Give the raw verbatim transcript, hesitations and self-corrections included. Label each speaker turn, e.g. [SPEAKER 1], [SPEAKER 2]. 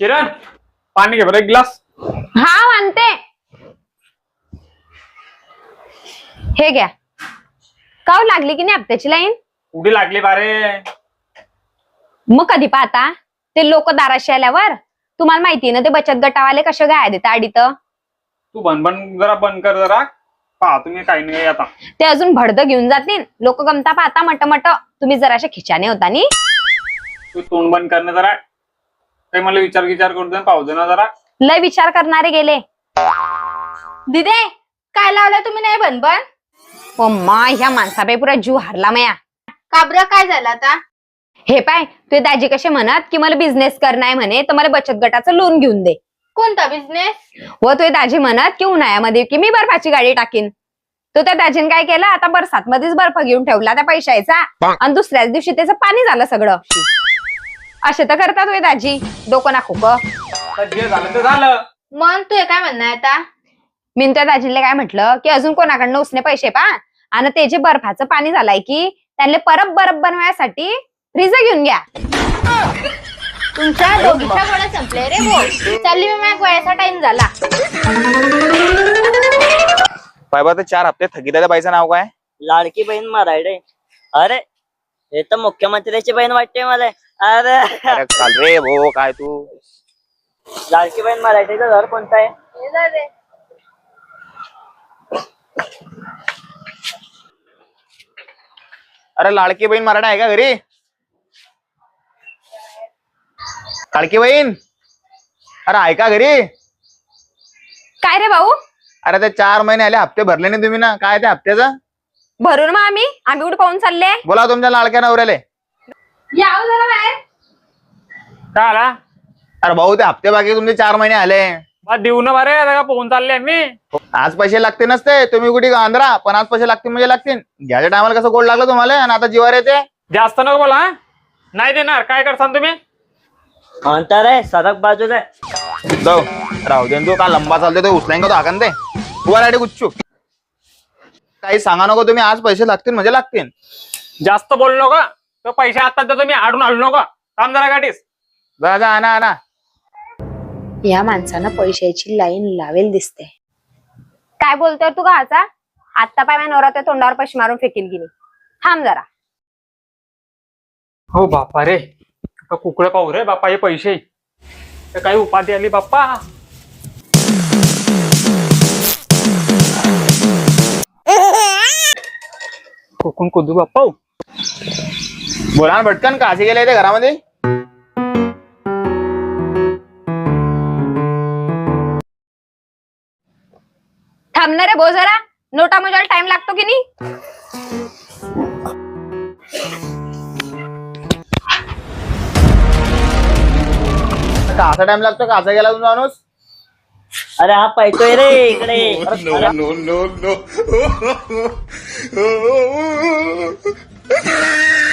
[SPEAKER 1] किरण पाणी घे बरं एक ग्लास.
[SPEAKER 2] हा आणते. हे घ्या. काव लागली की नाही हप्त्याची लाईन?
[SPEAKER 1] उडी लागली बारे.
[SPEAKER 2] मग कधी पाहता ते लोक दाराशी आल्यावर? तुम्हाला माहितीये ना ते बचत गटावाले कसे गाय देतात आडीत.
[SPEAKER 1] तू बनबन जरा बंद कर जरा. पहा तुम्ही काही नाही आता.
[SPEAKER 2] ते अजून भडद घेऊन जातील. लोक गमता पाहता मट मट. तुम्ही जराशे खिचाने होता नी.
[SPEAKER 1] तू तोंड बंद करणं जरा. काही मला विचार विचार करू दे पाहू दे ना जरा.
[SPEAKER 2] लय विचार करणारे गेले.
[SPEAKER 3] दिदे काय लावलं तुम्ही नाही बनबन?
[SPEAKER 2] ओ मा ह्या माणसाबाई पुरा जीव हारला मया.
[SPEAKER 3] काबर काय झालं आता?
[SPEAKER 2] हे पाय तुझे दाजी कसे म्हणत की मला बिझनेस करणार म्हणे तर मला बचत गटाचं लोन घेऊन दे.
[SPEAKER 3] कोणता बिझनेस?
[SPEAKER 2] व तुझे दाजी म्हणत की उन्हाळ्यामध्ये की मी बर्फाची गाडी टाकीन. तो त्या दाजीने काय केलं आता बरसात मध्येच बर्फ घेऊन ठेवला त्या पैशाचा आणि दुसऱ्याच दिवशी त्याचं पाणी झालं सगळं. असे तर करतात तुझे दाजी. डोकं ना खोक.
[SPEAKER 1] जे झालं ते झालं.
[SPEAKER 3] मन तू काय म्हणणं आहे आता?
[SPEAKER 2] मी त्या दाजीला काय म्हटलं की अजून कोणाकडनं उसने पैसे पा आणि ते जे बर्फाचं पाणी झालंय की त्यांना परत बर्फ बनवायसाठी फ्रीज घेऊन घ्या.
[SPEAKER 3] तुमच्या दोघीच्या गोळ्या संपले रे भो. चालली मी माझ्या गोळ्याचा टाइम झाला.
[SPEAKER 4] बाबा ते चार हप्ते थकीदाच्या बाईचं नाव काय?
[SPEAKER 5] लाडकी बहीण मराठे. अरे हे तर मुख्यमंत्र्याची बहीण वाटते मला. अरे
[SPEAKER 4] अरे चाल रे भो काय तू.
[SPEAKER 5] लाडकी बहीण मराठीचं घर कोणतं आहे?
[SPEAKER 3] हे जा रे.
[SPEAKER 4] अरे लाडकी बहीण मराठा आहे का घरी? लाडकी बहीण अरे आहे का घरी?
[SPEAKER 2] काय रे भाऊ?
[SPEAKER 4] अरे ते चार महिने आले हप्ते भरले नाही तुम्ही ना. काय ते हप्त्याचं?
[SPEAKER 2] भरून मग आम्ही आम्ही कुठे पाहून चालले?
[SPEAKER 4] बोला तुमच्या लाडक्या नवऱ्याले.
[SPEAKER 2] याव जरा बाहेर.
[SPEAKER 1] काय आला?
[SPEAKER 4] अरे भाऊ ते हप्ते बाकी तुमचे चार महिने आले.
[SPEAKER 1] बा देऊ ना बारे आता का पोहून चालले आम्ही.
[SPEAKER 4] आज पैसे लागते नसते तुम्ही कुठे आंध्रा पण आज पैसे लागतील म्हणजे लागतील. घ्यायच्या टायमाला कसं गोड लागलं तुम्हाला आणि आता जीवार येते.
[SPEAKER 1] जास्त नको बोला. हा? नाही देणार. काय करसान तुम्ही?
[SPEAKER 5] अंतर आहे सरक बाजूला.
[SPEAKER 4] जाऊ राहू दे तू का लंबा चालते तो उचलाय का तो हाकन दे. तुला गुच्चू काही सांगा नको तुम्ही. आज पैसे लागतील म्हणजे लागतील.
[SPEAKER 1] जास्त बोलू नका. तर पैसे आता देतो मी. आडून हलू नका. काम जरा गाठीस.
[SPEAKER 4] जा जा आणा आणा.
[SPEAKER 2] या माणसानं पैशाची लाईन लावेल दिसते. काय बोलतोय तू गाचा? आत्ता पाय नवरा त्या तोंडावर पैसे मारून फेकील गेली. थांब जरा.
[SPEAKER 1] हो बापा रे. कुकडे पाहू रे बापा हे पैसे. काही उपाधी आली बाप्पा. कोकण कुदू बाप्पा.
[SPEAKER 4] बोला ना भटकन काशी गेले ते घरामध्ये.
[SPEAKER 2] थांबणार रे भो जरा. नोटा मोजायला टाइम लागतो की नाही?
[SPEAKER 4] कासा टाइम लागतो. कासा गेला तुमचा माणूस.
[SPEAKER 5] अरे हा पैतोय रे इकडे.
[SPEAKER 4] No no no